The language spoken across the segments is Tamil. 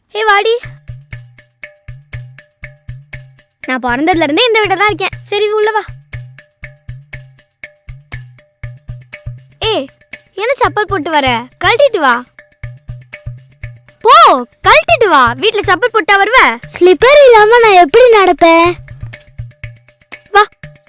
ஹே வாடி. நான் பிறந்ததுல இருந்தே இந்த வீட்டில் தான் இருக்கேன். சரி உள்ள வா. ஏய் என்ன செப்பல் போட்டு வர? கழட்டிட்டு வா. போ கழட்டிட்டு வா. வீட்டில் செப்பல் போட்டா வருவ? ஸ்லிப்பர் இல்லாம நான் எப்படி நடப்பேன்? வா.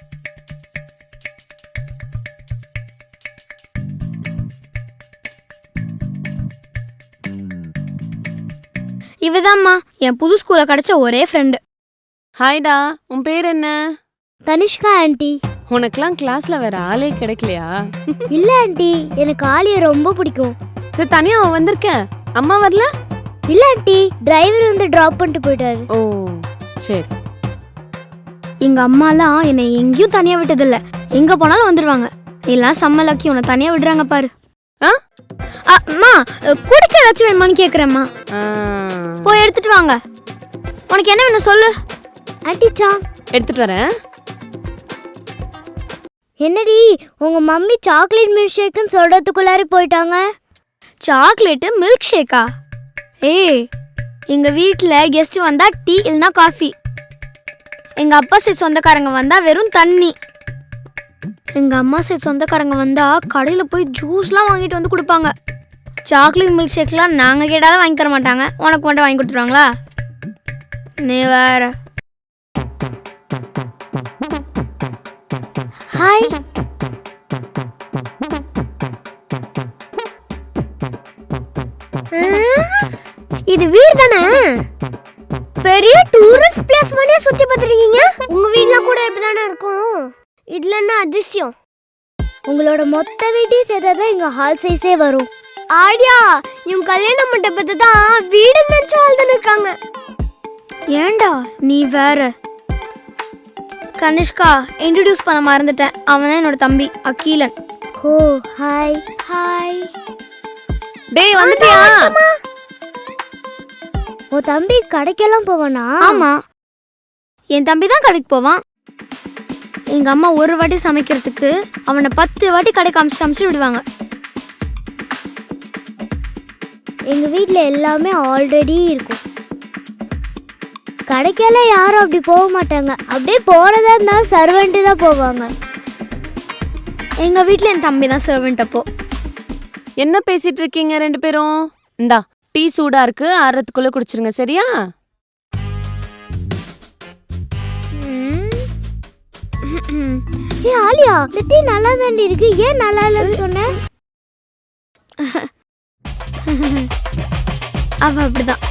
இவதாம்மா என் புது ஸ்கூல்ல கிடைச்ச ஒரே ஃப்ரெண்டு. ஹாய்டா, உன் பேர் என்ன? தனிஷ்கா ஆண்டி. உனக்கெல்லாம் கிளாஸ்ல வேற ஆளே கிடைக்கலையா? இல்ல ஆண்டி, எனக்கு ஆலியை ரொம்ப பிடிக்கும். சரி, தனியா அவன் வந்திருக்க. அம்மா வரல? இல்ல ஆண்டி, டிரைவர் வந்து டிராப் பண்ணிட்டு போயிட்டாரு. ஓ சரி. எங்க அம்மாலாம் என்னை எங்கேயும் தனியா விட்டதில்ல. எங்க போனாலும் வந்துடுவாங்க. எல்லாம் செம்ம லக்கி, உன்னை தனியா விடுறாங்க பாரு. அம்மா குடிக்க ஏதாச்சும் வேணுமான்னு கேக்குறேம்மா. போய் எடுத்துட்டு வாங்க. உனக்கு என்ன வேணும் சொல்லு. ஆண்டி சாங் எடுத்துட்டு வரேன். என்னடி உங்க மம்மி சாக்லேட் மில்க் ஷேக்குன்னு சொல்றதுக்குள்ளாரி போயிட்டாங்க. சாக்லேட்டு மில்க் ஷேக்கா? ஏய் எங்க வீட்டில் கெஸ்ட் வந்தா டீ இல்லைனா காஃபி. எங்க அப்பா சைட் சொந்தக்காரங்க வந்தா வெறும் தண்ணி. எங்க அம்மா சைட் சொந்தக்காரங்க வந்தா கடையில் போய் ஜூஸ்லாம் வாங்கிட்டு வந்து கொடுப்பாங்க. சாக்லேட் மில்க் ஷேக்லாம் நாங்கள் கேட்டாலும் வாங்கி தர மாட்டாங்க. உனக்கு மட்டும் வாங்கி கொடுத்துருவாங்களா? நீ வேற. ஹாய். இது வீடு தானே? பெரிய டூரிஸ்ட் பிளேஸ் மாதிரியே சுத்தி பார்த்துருக்கீங்க. உங்க வீட்ல கூட இப்படிதானே இருக்கும். இதுல என்ன அதிசயம்? உங்களோட மொத்த வீட்டையும் சேர்த்தாதான் எங்க ஹால் சைஸே வரும். ஆடியா, இவங்க கல்யாண மண்டபத்தை தான் வீடு நினைச்சு வாழ்ந்துன்னு இருக்காங்க. ஏண்டா நீ வேற. கனிஷ்கா இன்ட்ரடியூஸ் பண்ண மறந்துட்டேன். அவன் தான் என்னோட தம்பி அகிலன். ஓ ஹாய். ஹாய். டேய் வந்துட்டியா? உன் தம்பி கடைக்கெல்லாம் போவானா? ஆமா, என் தம்பி தான் கடைக்கு போவான். எங்க அம்மா ஒரு வாட்டி சமைக்கிறதுக்கு அவனை 10 வாட்டி கடைக்கு அமிச்சு விடுவாங்க. எங்க வீட்ல எல்லாமே ஆல்ரெடி இருக்கும். கடைக்கெல்லாம் யாரும் அப்படி போக மாட்டாங்க. அப்படியே போறதா இருந்தா சர்வெண்ட் தான் போவாங்க. எங்க வீட்ல என் தம்பி தான் சர்வெண்ட். அப்போ என்ன பேசிட்டு இருக்கீங்க ரெண்டு பேரும்? இந்தா டீ சூடா இருக்கு, ஆறதுக்குள்ள குடிச்சிருங்க சரியா? ஏ ஆலியா, இந்த டீ நல்லா தாண்டி இருக்கு. ஏன் நல்லா இல்லைன்னு சொன்ன? அவ அப்படிதான்.